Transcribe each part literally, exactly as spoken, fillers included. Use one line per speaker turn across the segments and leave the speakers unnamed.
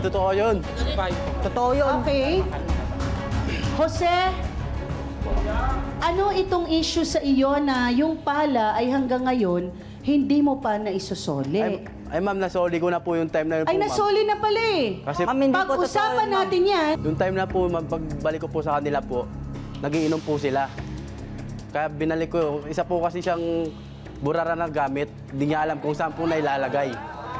totoo yun.
Totoo yun.
Okay. Jose, ano itong issue sa iyo na yung pala ay hanggang ngayon hindi mo pa naisusoli?
Ay, ay ma'am, nasoli ko na po yung time na yun po,
Ay,
ma'am.
nasoli na pala eh.
Kasi
Ma'am, hindi po totoo
Pag-usapan
yun, ma'am.
natin yan.
yung time na po, ma'am, pagbalik ko po sa kanila po, nagiinom po sila. Kaya binalik ko, isa po kasi siyang burara na gamit, hindi niya alam kung saan po nailalagay.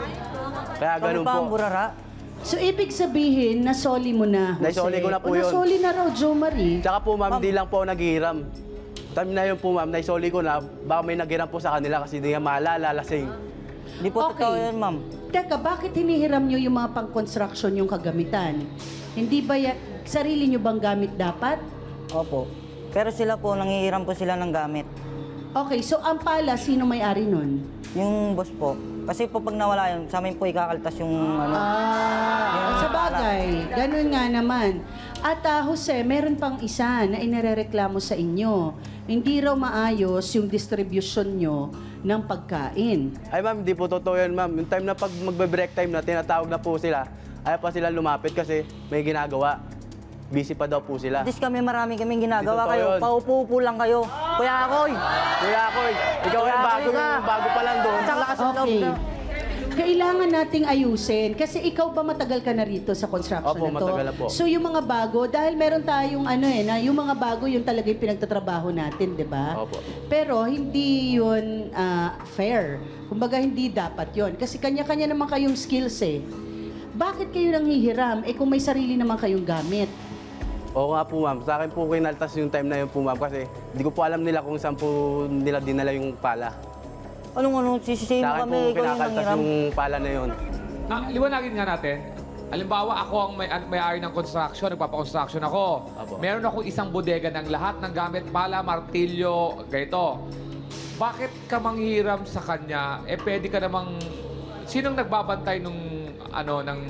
Kaya
Kami
ganun
pa
po.
ang burara.
So, ibig sabihin, nasoli mo na, Jose.
Naisoli ko na po
O,
yun.
Nasoli na raw, Jo Marie.
Tsaka po ma'am, di lang po ako naghihiram. Time na yun po ma'am, naisoli ko na, baka may naghiram po sa kanila kasi hindi niya maalala, lasing.
Hindi po
Okay.
totoo yun, ma'am.
Teka, bakit hinihiram nyo yung mga pang-construction yung kagamitan? Hindi ba ya- sarili nyo bang gamit dapat?
Opo. Pero sila po, nangihiram po sila ng gamit.
Okay, so ang pala, sino may-ari nun?
Yung boss po. Kasi po pag nawala yun, sa amin po ikakaltas yung ano.
Ah, sa bagay. Ganun nga naman. At ah, Jose, meron pang isa na inarereklamo sa inyo. Hindi raw maayos yung distribution nyo ng pagkain.
Ay ma'am, di po totoo yun ma'am. Yung time na pag magbe-break time na, tinatawag na po sila, ayaw pa sila lumapit kasi may ginagawa. Busy pa daw po sila.
At least kami, marami kaming
Hindi
ginagawa
totoo
kayo.
yun.
Paupo-upo lang kayo. Kuya Akoy!
Kuya Akoy, ikaw
Kuya
yung bago,
Akoy ka.
bago pa lang doon.
Sa lakas ng loob
Okay.
na.
Kailangan nating ayusin. Kasi ikaw ba matagal ka na rito sa construction
Opo,
na to?
matagal na po.
So yung mga bago, dahil meron tayong ano eh, na yung mga bago yung talaga yung pinagtatrabaho natin, di ba?
Opo.
Pero hindi yun ah, fair. Kumbaga hindi dapat yun. Kasi kanya-kanya naman kayong skills eh. Bakit kayo nanghihiram? Eh kung may sarili naman kayong gamit.
Oo nga po ma'am, sa akin po kinaltas yung time na yun po ma'am kasi hindi ko po alam nila kung saan po nila dinala yung pala.
Anong ano, sisisihin
Sa
mo
akin po
kami, ikaw yung
kinakaltas
nangiram.
yung pala na yun.
Ah, liwanagin nga natin. Halimbawa, ako ang may, may-ari ng construction, nagpapa-construction ako.
Apo.
Meron ako isang bodega ng lahat ng gamit, pala, martilyo, ganito. Bakit ka manghiram sa kanya? Eh, pwede ka namang... Sinong nagbabantay nung, ano, ng,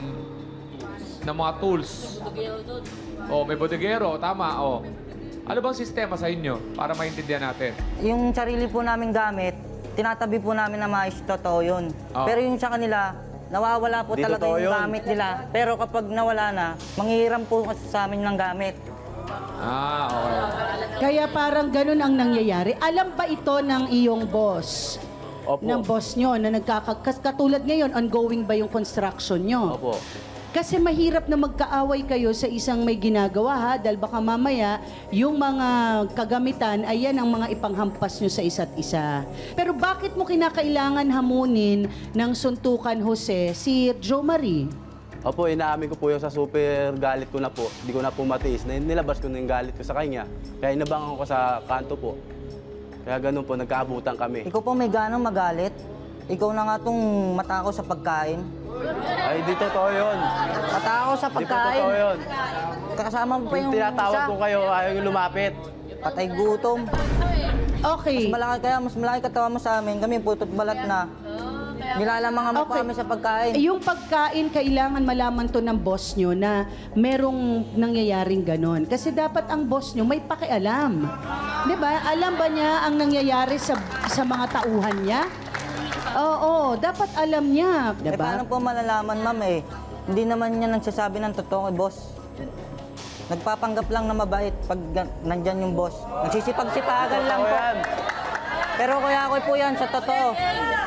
ng mga tools? Oh, may bodegero, tama, oh. Ano bang sistema sa inyo para maintindihan natin?
Yung sarili po namin gamit, tinatabi po namin na maayos, totoo yun.
Oo.
Pero yung sa kanila, nawawala po
Di
talaga
totoo
yung
yun.
gamit nila. Pero kapag nawala na, manghihiram po kasi sa amin ng gamit.
Ah, okay.
Kaya parang ganun ang nangyayari. Alam ba ito ng iyong boss?
Opo.
Ng boss nyo na nagkakakas... Katulad ngayon, ongoing ba yung construction nyo?
Opo.
Kasi mahirap na magkaaway kayo sa isang may ginagawa ha, dahil baka mamaya yung mga kagamitan ay yan ang mga ipanghampas nyo sa isa't isa. Pero bakit mo kinakailangan hamunin ng suntukan, Jose, si Jo Marie?
Opo, inaamin ko po yung sa super galit ko na po. Hindi ko na po matiis. Na nilabas ko na yung galit ko sa kanya. Kaya inabangan ko sa kanto po. Kaya ganun po, nagkaabutan kami.
Ikaw po may ganang magalit. Ikaw na nga itong matakaw sa pagkain.
Ay, di totoo yun.
Matakaw sa
Di po
pagkain.
totoo yun.
Kasama mo pa
Yung
yung
tinatawag
isa.
ko kayo, ayaw yung lumapit.
Patay gutom.
Okay.
Mas malaki kaya, mas malaki katawa mo sa amin. Kami putot balat na. Nilalamangan mo pa
Okay.
kami sa pagkain.
Yung pagkain, kailangan malaman to ng boss nyo na merong nangyayaring ganon. Kasi dapat ang boss nyo may pakialam. Di ba? Alam ba niya ang nangyayari sa, sa mga tauhan niya? Oo, dapat alam niya. Di
Eh, paano
ba?
po malalaman, ma'am eh? Hindi naman niya nagsasabi ng totoo kay boss. Nagpapanggap lang na mabait pag ga- nandyan yung boss. Nagsisipag-sipagan lang
Totoo
po.
yan.
Pero kuya ako po yan, sa totoo.